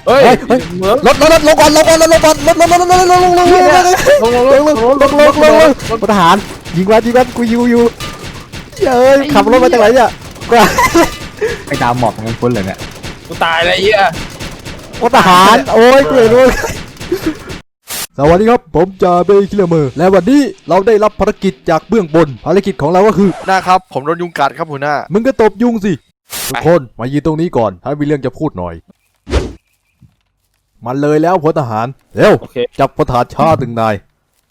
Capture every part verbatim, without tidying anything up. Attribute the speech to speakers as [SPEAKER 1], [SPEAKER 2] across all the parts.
[SPEAKER 1] เฮ้ยรถรถรถลงก่อนลงก่อนลงก่อนรถรถรถรถรถลงลงลงลงลงลงลงลงลงพลทหารยิงวันยิงวันกูยิวอยู่เฮ้ยขับรถมาจากไหนเนี่ยกู
[SPEAKER 2] ไอ้ดาวหมอบของมันพ้นเลยเนี่ย
[SPEAKER 1] กูตายเลยเหี้ย
[SPEAKER 3] พลทหารโอ้ยกูเห็นด้วยสวัสดีครับผมจ่าเบย์คิลเลอร์เมอร์และวันนี้เราได้รับภารกิจจากเบื้องบนภารกิจของเราก็คือ
[SPEAKER 4] นะครับผมโดนยุงกัดครับหัวหน้า
[SPEAKER 3] มึงก็ตบยุงสิทุกคนมายืนตรงนี้ก่อนถ้ามีเรื่องจะพูดหน่อยมันเลยแล้วพลทหารเร็วจับพลทหารชาตึงนาย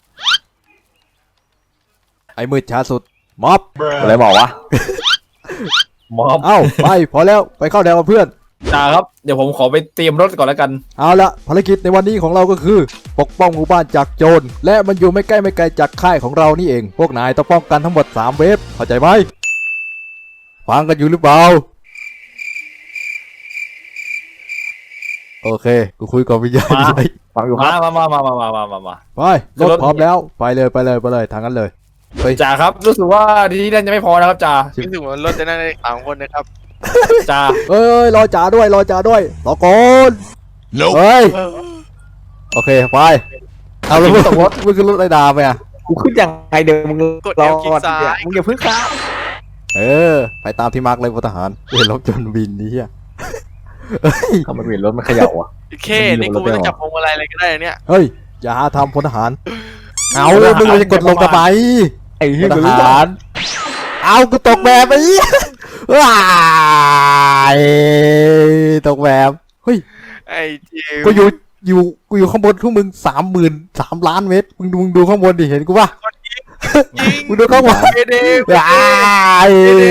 [SPEAKER 3] ไอ้มืดช้าสุดม็อบ
[SPEAKER 2] อะไรบอกวะ
[SPEAKER 1] ม็อบ
[SPEAKER 3] เอ้าไปพอแล้วไปเข้าแถวกับเพื่อน
[SPEAKER 1] จ่าครับเดี๋ยวผมขอไปเตรียมรถก่อนแล้วกัน
[SPEAKER 3] เอาละภารกิจในวันนี้ของเราก็คือปกป้องหมู่บ้านจากโจรและมันอยู่ไม่ใกล้ไม่ไกลจากค่ายของเรานี่เองพวกนายต้องป้องกันทั้งหมดสามเวฟเข้าใจไหมฟังกันอยู่หรือเปล่าโอเคกูคุยกับวิญญาณ
[SPEAKER 2] ฟังอยู่
[SPEAKER 1] มามามามามามามามา
[SPEAKER 3] ไปรถพร้อมแล้วไปเลยไปเลยไปเลยทางนั้นเลย
[SPEAKER 1] จ่าครับรู้สึกว่าที่นั่นจะไม่พอนะครับจ่า
[SPEAKER 4] รู้สึกว่ารถจะนั่งได้สามคนนะครับ
[SPEAKER 1] จ่า
[SPEAKER 3] เอ้ยรอจ่าด้วยรอจ่าด้วยรอก่อนเฮ้ยโอเคไปเอาแล้วมึงตกรถมึงขึ้นรถไรดาไปอ่ะ
[SPEAKER 2] กูขึ้นยังไงเดี๋ยวมึง
[SPEAKER 4] กดเอลคลิกซ้าย
[SPEAKER 2] มึงอย่าพึ่งข้าม
[SPEAKER 3] เออไปตามที่มาร์กเลยพลทหารเห็นรถจนบินนี่อ่ะ
[SPEAKER 2] เขามาเปลี่ยนรถมันเขย่าอ่ะ
[SPEAKER 4] เคนี่กูไม่ต้องจับพวงมาลัยอะไรก็ได้เนี่ย
[SPEAKER 3] เฮ้ยอย่าหาทำพลทหารเอามึงจะกดลงทำไม
[SPEAKER 2] ไอ้
[SPEAKER 3] พลทหารเอากูตกแบบไอ้ว้ายตกแบบเฮ้ย
[SPEAKER 4] ไอ้จิ๋ว
[SPEAKER 3] กูอยู่อยู่กูอยู่ข้างบนทุกมึงสามหมื่นสามล้านเมตรมึงดูมึงดูข้างบนดิเห็นกูป่ะมึงดูข้างบนว้าย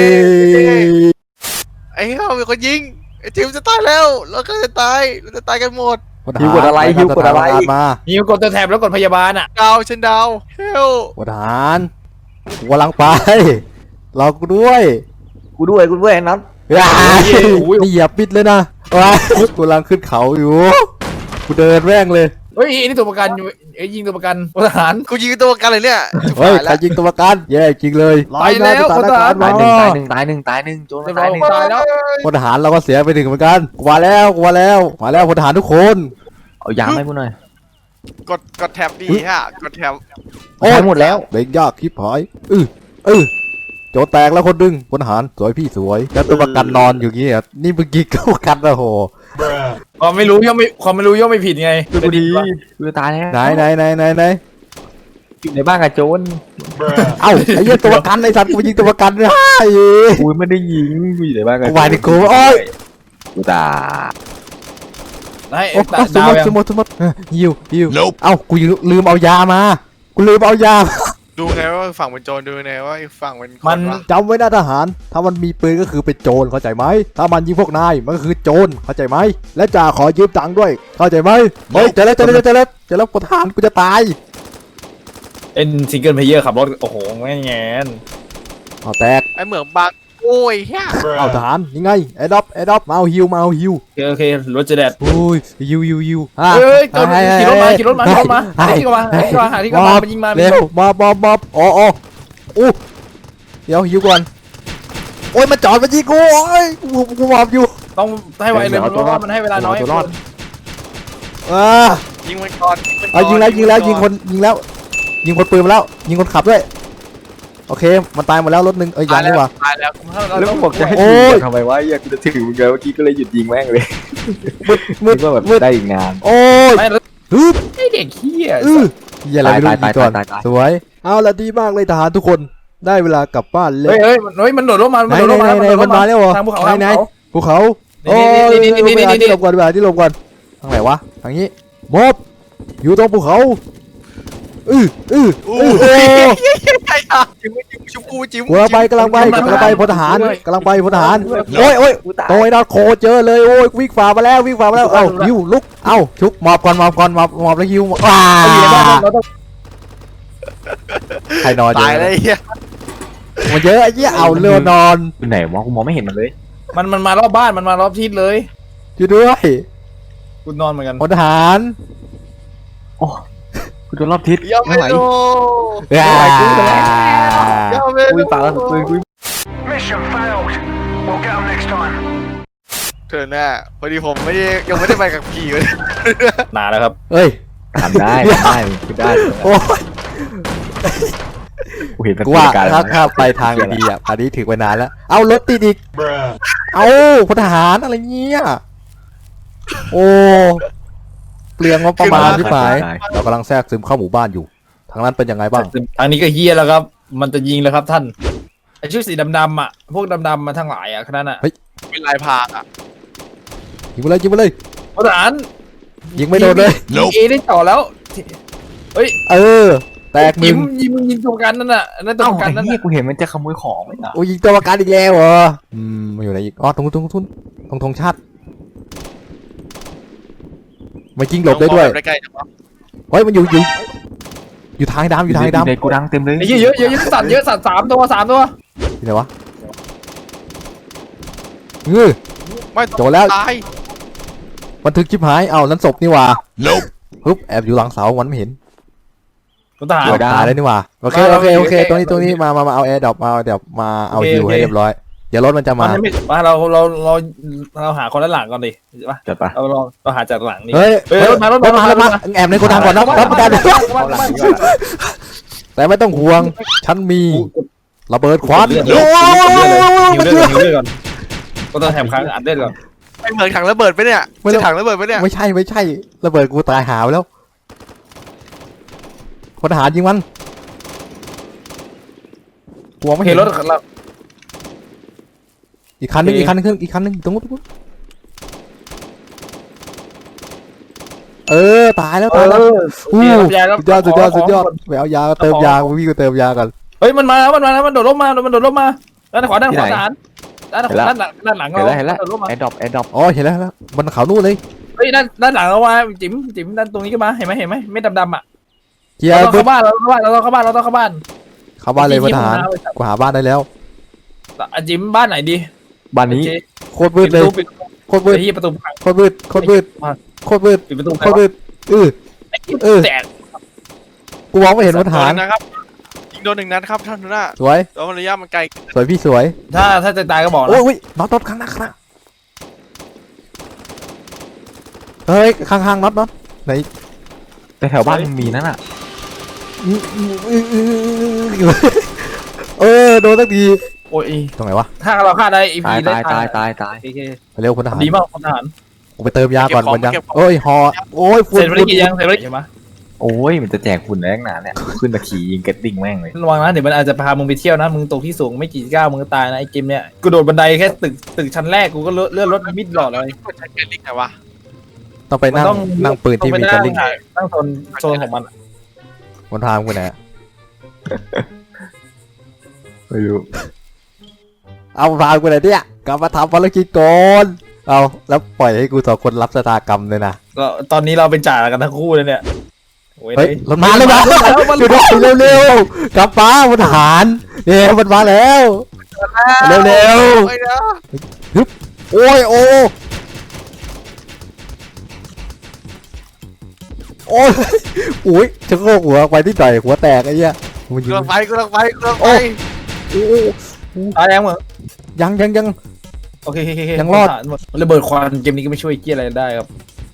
[SPEAKER 4] ไอ้เขาเป็นคนยิงไอ้จิ๋วจะตายแล้วเราก็จะตายเราจะตายกันหมด
[SPEAKER 2] ฮิวกดอะไรฮิวกดอะไร
[SPEAKER 3] มา
[SPEAKER 1] ฮิวกดตัวแถบแล้วกดพยาบาลอ่ะ
[SPEAKER 4] ดาวฉันดาวเฮล
[SPEAKER 3] พลทหารกูกำลังไปรอกูด้วย
[SPEAKER 2] กูด้วยกูด้วยนัท
[SPEAKER 3] นี่อย่าปิดเลยนะว้ากูกำลังขึ้นเขาอยู่กูเดินแม่งเลย
[SPEAKER 1] เฮ้ยนี่ตัวประกันอยู่ไอ้ยิงตัวประกันพลทหาร
[SPEAKER 4] กูยิงตัวประกันเลยเนี่ย
[SPEAKER 3] เฮ้ยใครยิงตัวประกันแย่จริงเลย
[SPEAKER 1] ไปแล้วพลทหาร
[SPEAKER 2] ตายหนึ่งตายหนึ่งตายหนึ่งตายหนึ่งโจรตายหนึ่ง
[SPEAKER 1] ตายแล้ว
[SPEAKER 3] พลทหารเราก็เสียไปหนึ่งเหมือนกันกูมาแล้วกูมาแล้วมาแล้วพลทหารทุกคน
[SPEAKER 2] เอายางให้กูหน่อย
[SPEAKER 4] กดกดแท็บดีฮะกดแท็บ
[SPEAKER 3] โอ้หมดแล้วเด็กยากคิดหายเออเออโจแตกแล้วคนดึงพลทหารสวยพี่สวยแล้วตัวประกันนอนอยู่งี้อ่ะนี่เมื่อกี้ก็ประกันแล้วโห
[SPEAKER 1] ความไม่รู้ย่อมไม่ความไม่รู้ย่อมไม่ผิดไง
[SPEAKER 2] ดูดีดูตายแล้ว
[SPEAKER 3] ไหนไหนไหนไหนไหน
[SPEAKER 2] อยู่ในบ้านกับโจร
[SPEAKER 3] เอ้าไอ้เหี้ยตัวประกันไอ้สัตว์กูยิงตัวประกันเลย
[SPEAKER 2] กูไม่ได้ยิงกูอยู่ในบ้านกับ
[SPEAKER 3] กูวายดิกูโอ้ย
[SPEAKER 2] กูตา
[SPEAKER 1] ไอ้
[SPEAKER 3] สมมติสมมติสมมติยิวยิวเอ้ากูลืมเอายามากูลืมเอายา
[SPEAKER 4] ดูไงว่าฝั่งเป็นโจรดูไงว่าฝั่งเป็น
[SPEAKER 3] มันจำไว้นะทหารถ้ามันมีปืนก็คือเป็นโจรเข้าใจไหมถ้ามันยิงพวกนายมันก็คือโจรเข้าใจไหมและจ่าขอยืมตังค์ด้วยเข้าใจไหมเฮ้ยเจอแล้วเจอแล้วเจอแล้วเจอแล้วพลทหารกูจะตาย
[SPEAKER 1] เอ็นซิงเกิลเพลเยอร์ขับรถโอ้โหแง่แง่
[SPEAKER 3] เอาแตก
[SPEAKER 4] ไอเหมืองบางโอ้ยเฮ้ย
[SPEAKER 3] เอาทหารยังไงแอดดอปแอดดอปมาเอาฮิวมาเอาฮิว
[SPEAKER 1] โอเคโอเครถจะแดด
[SPEAKER 3] โอ้ยฮิวฮิวฮิว
[SPEAKER 1] เฮ้ยขี่รถมาขี่รถมาขี่รถมาหาที่กมาหาที่กมาหาที่กมามันยิงมา
[SPEAKER 3] เร็วมาบอบอบอ๋ออ๋ออู้เดี๋ยวฮิวก่อนโอ้ยมาจอดมายิงกูโอ้ยกูกูมอบอยู่
[SPEAKER 1] ต้องให้ไวเลยเพราะว่ามันให้เวลาน้อย
[SPEAKER 3] อ่า
[SPEAKER 4] ยิงมันก่อน
[SPEAKER 3] เอายิงแล้วยิงแล้วยิงคนยิงแล้วยิงคนปืนมาแล้วยิงคนขับด้วยโอเคมันตายหมดแล้วรถหนึ่งเอ้ยยังดีกว่า
[SPEAKER 4] ตายแล้ว
[SPEAKER 2] แล้วบอกจะให้ยิงทำไมวะอยากจะถือมึงเมื่อกี้ก็เลยหยุดยิงแม่งเลย
[SPEAKER 3] มืดมืด
[SPEAKER 2] ก็แบบได้อีกงาน
[SPEAKER 3] โอ้ยฮึบ
[SPEAKER 1] ไอเด็กเหี้ย
[SPEAKER 3] อย่าอะไรไม่รู้ก่อนสวยเอาละดีมากเลยทหารทุกคนได้เวลากลับบ้านเลย
[SPEAKER 1] เฮ้ยเฮ้ยมันโดดลงมามันโดดลงมา
[SPEAKER 3] มันมาแล้วเหรอ
[SPEAKER 1] ทางภูเขา
[SPEAKER 3] ไหนภูเขาโอ้ยที่ลงก่อนเวลาที่ลงก่อนทางไหนวะทางนี้มอบอยู่ตรงภูเขาอืออืออือโอ้
[SPEAKER 4] จิ้มจิ้มชุบกูจิ้ม
[SPEAKER 3] กำลังไปกำลังไปกำลังไปพลทหารกำลังไปพลทหารโอ้ยโอ้ยโอ้ยนอตโคเจอเลยโอ้ยวิ่งฝ่ามาแล้ววิ่งฝ่ามาแล้วเอ้าฮิวลุกเอ้าชุบหมอบก่อนหมอบก่อนหมอบหมอบแล้วฮิวว้าใครนอน
[SPEAKER 4] ตายเลย
[SPEAKER 3] มันเยอะไอ้เหี้ยเอาเรือนอน
[SPEAKER 2] อยู่ไหนวะกูมองไม่เห็นมันเลย
[SPEAKER 1] มันมันมารอบบ้านมันมารอบทิศเลย
[SPEAKER 3] อยู่ด้วย
[SPEAKER 1] กูนอนเหมือนกัน
[SPEAKER 3] พลทหาร
[SPEAKER 2] โอ้กูโดนรอบทิศ
[SPEAKER 4] ไม่ไหว
[SPEAKER 3] ไม่ไหวกู
[SPEAKER 2] คุยปากแล้วคุยคุย
[SPEAKER 3] ถ
[SPEAKER 4] เธอหน้าพอดีผมไม่ได้ยังไม่ได้ไปกับขี่เลย
[SPEAKER 5] นานแล้วครับ
[SPEAKER 3] เอ้ย
[SPEAKER 2] ทำได้ทำได้คิดได้
[SPEAKER 3] โอ้ย
[SPEAKER 2] กูเห็นมัน
[SPEAKER 3] กูว่า
[SPEAKER 2] การ
[SPEAKER 3] ถ้าถ้าไปทางดีอ่ะอันนี้ถึงไปนานแล้ว เอารถติดอีก เอาพลทหารอะไรเงี้ย โอ้ เปลืองงบประมาณที่หมายเรากำลังแทรกซึมเข้าหมู่บ้านอยู่ ทางนั้นเป็นยังไงบ้าง
[SPEAKER 5] ทางนี้ก็เฮียแล้วครับ มันจะยิงแล้วครับท่านไอชุดสีดำๆอ่ะพวกดำๆมาทั้งหลายอ่ะขนาดน่ะ
[SPEAKER 4] เป็นลายพรางอ่ะ
[SPEAKER 3] ยิงไปเลยยิงไปเลย
[SPEAKER 5] ทหาร
[SPEAKER 3] ยิงไม่โดนเลย
[SPEAKER 5] ยิงเอได้ต่อแล้วเฮ้ย
[SPEAKER 3] เออ แตกห
[SPEAKER 5] ยิ
[SPEAKER 3] นึ่
[SPEAKER 5] ง
[SPEAKER 3] ง
[SPEAKER 5] ยิงมึงยิงตัวประกันนั่นน่ะนั่นตัว
[SPEAKER 2] เอ้า
[SPEAKER 5] ประกัน
[SPEAKER 2] ไอ้
[SPEAKER 5] นั่น
[SPEAKER 2] เหี้ย
[SPEAKER 5] น่ะ
[SPEAKER 2] กูเห็นมันจะขโมยของไม่เหรอ
[SPEAKER 3] โอ้ยิงตัวประกันอีกแล้วเหรอ อืมมาอยู่ไหนอีก อ๋อตรงตรงทุนตรงธงชาติมายิงหลบได้ด้วย
[SPEAKER 4] ใกล้ๆจังวะ
[SPEAKER 3] เฮ้ยมันอยู่อยู่อยู่ทางไอ้ดำอยู่ทางไอ้ดำ
[SPEAKER 2] ในกูดังเต็มเลย
[SPEAKER 5] ไอ้เหี้ยเยอะเยอะเยอะสัตว์เยอะสัตว์สามตัวสามตัว
[SPEAKER 3] ที่ไหนวะเงือ
[SPEAKER 4] ไม่
[SPEAKER 3] โจรแล้ว
[SPEAKER 4] ตาย
[SPEAKER 3] บันทึกชิบหาย เอานั้นศพนี่หว่าปึ๊บแอบอยู่หลังเสามันไม่เห็น
[SPEAKER 5] ทหาร
[SPEAKER 3] เอาตายแล้วนี่หว่าโอเคโอเคโอเคตรงนี้ตรงนี้มามามาเอาแอร์ดรอปมาเดี๋ยวมาเอาฮิวให้เรียบร้อยเดี๋ยวรถมันจะ
[SPEAKER 5] มั
[SPEAKER 3] มาน
[SPEAKER 5] ไม่มาเราเราเราเราหาคนด้านหลังก่อนดิป่ะ
[SPEAKER 2] จัดปะ
[SPEAKER 5] เราเราเราหาจากหลังนี่
[SPEAKER 3] เฮ้ย
[SPEAKER 5] เฮ้ยรถมารถ
[SPEAKER 3] ร
[SPEAKER 5] มา
[SPEAKER 3] ถมารถมาแอบในโกดังก่อนนะรถกัน
[SPEAKER 2] เอาหลังดีกว่า
[SPEAKER 3] แต่ไม่ต้องห่วงฉันมีระเบิดควัน
[SPEAKER 5] เลือด
[SPEAKER 3] โอ้
[SPEAKER 5] เลือด
[SPEAKER 3] ย
[SPEAKER 5] หิวเลือดหิวเลือดก่อนก็ต้องแถมค้างอัดเลือดก่อน
[SPEAKER 4] ไม่เหมือนถังระเบิดไปเนี่ยไม่ใช่ถังระเบิดไปเนี่ย
[SPEAKER 3] ไม่ใช่ไม่ใช่ระเบิดกูตายหาไปแล้วพลทหารยิงมันหัวไม่
[SPEAKER 5] เห็
[SPEAKER 3] เห็
[SPEAKER 5] น
[SPEAKER 3] น
[SPEAKER 5] รถเรา
[SPEAKER 3] อีกคันนึง
[SPEAKER 5] โอเค
[SPEAKER 3] อีกคันนึงอีกคันนึงตรงนู้นตรงนู้นเออตายแล้วตายแล้ว
[SPEAKER 5] อู้สุดยอด
[SPEAKER 3] สุดยอดสุดยอดสุดยอดไปเอายาเติมยาพี่ก็เติมยากัน
[SPEAKER 5] เฮ้ยมันมาแล้วมันมาแล้วมันโดดร่มมามันโดดร่มมาด้านขวาด้านขวาทหารด้านขวาด้านหลังด้านหลัง
[SPEAKER 2] เห็น
[SPEAKER 5] เรา
[SPEAKER 2] แล้วเห็นแล้ว
[SPEAKER 5] โดดร่มมา
[SPEAKER 2] แอร์ดรอปแอร์ดรอป
[SPEAKER 3] อ๋อเห็นแล้วเห็นแล้วมันเขานู่นเลย
[SPEAKER 5] เฮ้ยด้านด้านหลังเรามาจิ๋มจิ๋มด้านตรงนี้ก็มาเห็นไหมเห็นไหมไม่ดำดำอ่ะ
[SPEAKER 3] เจีย
[SPEAKER 5] เราต้อง
[SPEAKER 3] บึ๊บ
[SPEAKER 5] เข้าบ้านเราต้องเข้าบ้านเราต้องเข้าบ้านเราต้องเข้าบ้าน
[SPEAKER 3] เข้าบ้านเลยพลทหารกูหาบ้านได้แล้ว
[SPEAKER 5] อ่ะจิ๋มบ้านไหนดี
[SPEAKER 2] บ้านนี้
[SPEAKER 5] โอเค
[SPEAKER 3] โคตรมืดเลย
[SPEAKER 5] ปิด
[SPEAKER 3] โคตรมืด
[SPEAKER 5] ไอ้ที่ประตูพัง
[SPEAKER 3] โคตรมืดโคตรมืดโคตรมืด
[SPEAKER 5] ปิดประตู
[SPEAKER 3] โคตรมืดเออ เออ
[SPEAKER 5] แตก
[SPEAKER 3] กูมองไม่เห็นพลทหาร
[SPEAKER 4] โดนนะครับยิงโดนหนึ่งนัดครับท่านหัวหน้า
[SPEAKER 3] สวย
[SPEAKER 4] แต่ว่าระยะมันไกล
[SPEAKER 3] สวยพี่สวย
[SPEAKER 5] ถ้าถ้าจะตายก็บอก
[SPEAKER 3] โอ้
[SPEAKER 5] นะ
[SPEAKER 3] ยโอ้ยน็อตน็อตข้างหน้าข้างหน้าเฮ้ยข้างข้างน็อตน็อตไหน
[SPEAKER 2] แต่แถวบ้านมันมีนั่นอ่ะ
[SPEAKER 3] เออโดนสักที
[SPEAKER 5] โอ้ย
[SPEAKER 3] ตรงไหนวะ
[SPEAKER 5] ถ้าเราฆ่าได้อี
[SPEAKER 2] ตา
[SPEAKER 5] พี
[SPEAKER 2] ย
[SPEAKER 5] ได้
[SPEAKER 2] ตายตายตายตาย
[SPEAKER 5] โอเค
[SPEAKER 3] ไปเร็วพลทหาร
[SPEAKER 5] ดีมากคนทหาร
[SPEAKER 3] กูไปเติมยาก่อนวันยังโอ้ยฮอโอ้ย
[SPEAKER 5] เส
[SPEAKER 3] ฝุ่น
[SPEAKER 5] ร็จภารกิจยังเสร็จภารกิจยังมา
[SPEAKER 2] โอ้ยมันจะแจกหุ่นแรงหนาเนี่ยขึ้นตะขี่ยิงเก็ตติ้งแม่งเลย
[SPEAKER 5] ระวังนะเดี๋ยวมันอาจจะพามึงไปเที่ยวนะมึงตกที่สูงไม่กี่ก้าวมึงก็ตายนะไอ้เกมเนี้ยกูโดดบันไดแค่ตึกตึกชั้นแรกกูก็เลื่อนรถมิดหลอดเลย
[SPEAKER 4] กดใช้เกลิกไงวะ
[SPEAKER 3] ต้องไปนั่ง
[SPEAKER 5] มันต้อง
[SPEAKER 3] นั่งปืนที่มี
[SPEAKER 5] ต้
[SPEAKER 3] ก
[SPEAKER 5] อ
[SPEAKER 3] ระ
[SPEAKER 5] งไป
[SPEAKER 3] ลิ่ง
[SPEAKER 5] นั่งโซนโซนของมันอะ
[SPEAKER 3] บนทางกูไหน
[SPEAKER 2] ไม่รู้
[SPEAKER 3] เอาพากูไหนเนี่ยกลับมาทำภารกิจก่อนเอาแล้วปล่อยให้กูสองคนรับชะตากรรมเลยนะ
[SPEAKER 5] ก็ตอนนี้เราเป็นจ่ากันทั้งคู่เลยเนี่ยโอ้ย
[SPEAKER 3] เฮ้ยรถมาเลยนะ
[SPEAKER 5] มัน
[SPEAKER 3] ดูดิเร็วๆกลับฟ้าพลทหารเนี่ยมันมาแล้ว เร็ว
[SPEAKER 4] ไอ้เนาะ
[SPEAKER 3] ๆโอ้ยโอ้โอ้ยโอ้ยจะโงกหัวไปที่ต่อยหัวแตกไอ้เหี้ยมัน
[SPEAKER 4] กู
[SPEAKER 3] ยิง
[SPEAKER 4] ลังไปกูลังไปกูลังไป
[SPEAKER 3] โอ้ โอ้
[SPEAKER 5] ตายยังเหรอ
[SPEAKER 3] ยังยังยัง
[SPEAKER 5] โอเคโอเคโเค
[SPEAKER 3] ยังรอด
[SPEAKER 5] ระเบิดควันเกมนี้ก็ไม่ช่วยเกี้ยอะไรได้ครับ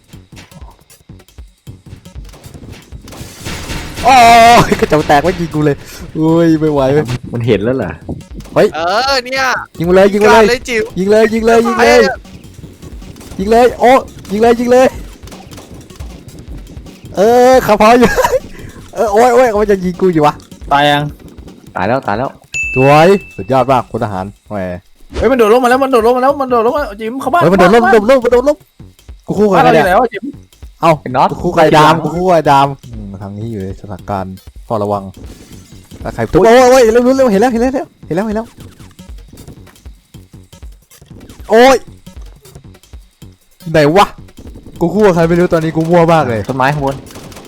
[SPEAKER 3] โอ้ยกระจกแตกไม่ยิงกูเลยอุ้ยไม่ไหวเว้ย
[SPEAKER 2] มันเห็นแล้วเหรอ
[SPEAKER 4] เออเนี่ย
[SPEAKER 3] ยิงมาเลยยิงมาเลย
[SPEAKER 4] เลยจิ๋ว
[SPEAKER 3] ยิงเลยยิงเลยยิงเลยยิงเลยโอ้ยิงเลยยิงเลย เออขับพออยู่ เออโอ้ยโอ้ยมันจะยิงกูอยู่วะ
[SPEAKER 5] ตายยัง
[SPEAKER 2] ตายแล้วตายแล้ว
[SPEAKER 3] สวยสุดยอดมากพลทหารแหม
[SPEAKER 5] เฮ้ยมันโดดลงมาแล้วมันโดดลงมาแล้วมันโดดลงมาจิ๋มเข้าบ้าน
[SPEAKER 3] เฮ้ยมันโดนล้มโดนล้มมันโดนล้มกูคู่กั
[SPEAKER 5] บ้าน
[SPEAKER 3] น
[SPEAKER 5] เราอ
[SPEAKER 3] เนี่ย
[SPEAKER 5] ยู่ไหนวะจิ๋ม
[SPEAKER 3] เอ้า
[SPEAKER 2] ไอ้น็อต
[SPEAKER 3] กูคู่ไก่ดามกูคู่ไก่ดามอืมทางนี้อยู่ในสถานการณ์เฝ้าระวังถ้าใครตุ๊บโอ้ยโอ้ยเร็วเร็วเห็นแล้วเห็นแล้วเห็นแล้วเห็นแล้วโอ้ยไหนวะกูคู่กับใครไม่รู้ตอนนี้กูมั่วมากเลย
[SPEAKER 2] ต้นไม้ข้างบน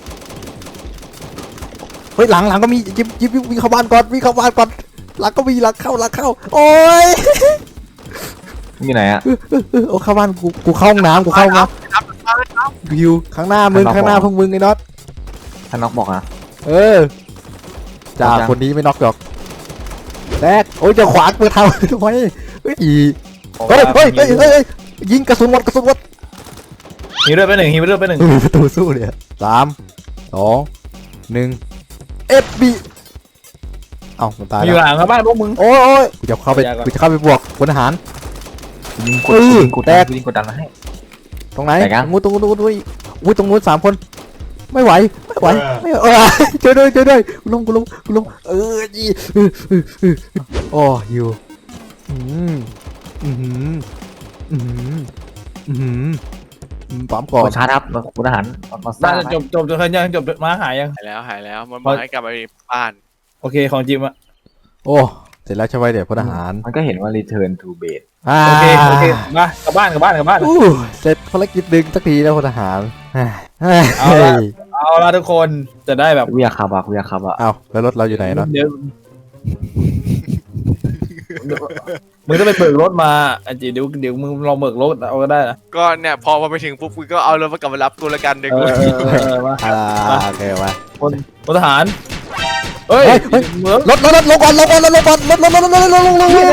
[SPEAKER 3] เฮ้ยหลังหลังก็มียิบยิบยิบวิ่งเข้าบ้านก่อนวิ่งเข้าบ้านก่อนหลังก็มีหลังเข้าหลังเข้าโอ้ย
[SPEAKER 2] มันอยู่ไหนอ่ะ
[SPEAKER 3] เออโอ้เข้าบ้านกูกูเข้าห้องน้ำกูเข้าห้องน้ำกูอยู่ข้างหน้ามึงข้างหน้าพวกมึงไอ้น็อต
[SPEAKER 2] ท่านน็อกบอกอ่ะ
[SPEAKER 3] เออจ่า
[SPEAKER 2] เอาจัง
[SPEAKER 3] คนนี้ไม่น็อกหรอกแรกโอ้ยจะขวางเปิดทางทำไมเฮ้ยอีเฮ้ยเฮ้ยเฮ้ยเฮ้ยเฮ้ย
[SPEAKER 1] ยิงกระสุนหมดกระสุนหมด
[SPEAKER 5] ฮีเลือดไปหนึ่งฮีเลือดไปหนึ่ง
[SPEAKER 1] ไม่มีประตูสู้เลยอะสามสองหนึ่งเอฟบีเอ้ามันตาย
[SPEAKER 5] อ
[SPEAKER 1] แล้
[SPEAKER 5] ยู่
[SPEAKER 1] ว
[SPEAKER 5] หลังครับบ้านพวกมึง
[SPEAKER 1] โอ้ยโอ้ยกูจะเข้าไป
[SPEAKER 5] ยากก่อน
[SPEAKER 1] กูจะเข้าไปบวกพลทหาร
[SPEAKER 2] ยิงก
[SPEAKER 1] เอ
[SPEAKER 2] ด
[SPEAKER 1] อ
[SPEAKER 2] ยิงกด
[SPEAKER 1] แต
[SPEAKER 2] ดั
[SPEAKER 1] ก
[SPEAKER 2] นยิงกดดันมาให้
[SPEAKER 1] ตรงไหน
[SPEAKER 2] แตกยัง
[SPEAKER 1] ตรงนู้นตรงนู้นตรงนู้นอุ้ยตรงนู้นสามคน ไม่ไหวไม่ไหวไม่ไหวเออช่วยด้วยช่วยด้วยกูลงกูลงกูลงเออจีเออเออเออโอ้อยู่อืมอืมอืมอืมอืมปั๊มก่
[SPEAKER 2] ก
[SPEAKER 1] อน
[SPEAKER 2] ดชาร์จครับคุณทหารมาส
[SPEAKER 5] บ้า
[SPEAKER 2] ร้าน ง
[SPEAKER 5] จะจบจบจบยังจบมาหายยัง
[SPEAKER 4] หายแล้วหายแล้วมันบอกให้กลับไปบ้าน
[SPEAKER 5] โอเคของจิมอะ
[SPEAKER 1] โอ้เสร็จแล้วใช่ไหมเดี๋ยวพลทหาร
[SPEAKER 2] มันก็เห็นว่า return to base
[SPEAKER 1] อ่า
[SPEAKER 5] โอเคโอเคมากลับบ้านกลับบ้านกลับบ้าน
[SPEAKER 1] อู้เสร็จภารกิจดึงสักทีแล้วพลทหารเฮ้ย
[SPEAKER 5] เอาละ เอาละทุกคนจะได้แบบ
[SPEAKER 2] กูอยากขับอ่ะกูอยากขับอ่ะ
[SPEAKER 1] เอาแล้วรถเราอยู่ไหนเนาะ
[SPEAKER 5] เดี๋ยวมึงต้องไปเบิกรถมาอันจีเดี๋ยวเดี๋ยวมึงลองเบิกรถเอาก็ได้นะ
[SPEAKER 4] ก็เนี่ยพอมาไปถึงปุ๊บกูก็เอารถมากลับมารับกูละกันเด็ก
[SPEAKER 5] เอ
[SPEAKER 4] กู
[SPEAKER 5] อเออเออมา
[SPEAKER 1] อ่าโอเคมา
[SPEAKER 5] คนพลทหารเฮ้ย
[SPEAKER 1] เฮ้ยเฮ้ย
[SPEAKER 5] เมือง
[SPEAKER 1] รถรถรถลงก่อนลงก่อนลงก่อนรถรถรถรถรถรถลงลงลงลงลงลงลงลง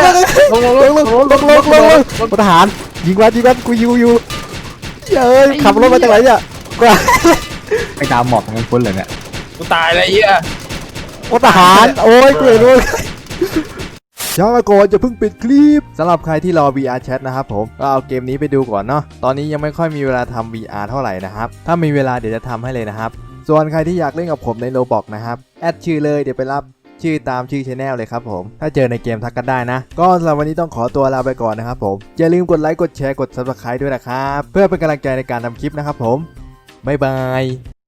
[SPEAKER 1] ลงพลทหารยิงวันยิงวันกูยิงอยู่เอ้ยขับรถมาจากไหนเนี่ยกู
[SPEAKER 2] ไปตามหมอกทั้งพ้นเลยเนี่ย
[SPEAKER 5] กูตายเลยไอ้เหี้ย
[SPEAKER 1] พลทหารโอ้ยกูเห็นด้วยช้าก่อนจะเพิ่งปิดคลิปสำหรับใครที่รอ วี อาร์ Chat นะครับผมก็เอาเกมนี้ไปดูก่อนเนาะตอนนี้ยังไม่ค่อยมีเวลาทำ วี อาร์ เท่าไหร่นะครับถ้ามีเวลาเดี๋ยวจะทำให้เลยนะครับส่วนใครที่อยากเล่นกับผมใน Roblox นะครับแอดชื่อเลยเดี๋ยวไปรับชื่อตามชื่อ Channel เลยครับผมถ้าเจอในเกมทักกันได้นะก็สำหรับวันนี้ต้องขอตัวลาไปก่อนนะครับผมอย่าลืมกดไลค์กดแชร์กด Subscribe ด้วยนะครับเพื่อเป็นกำลังใจในการทำคลิปนะครับผมบ๊ายบาย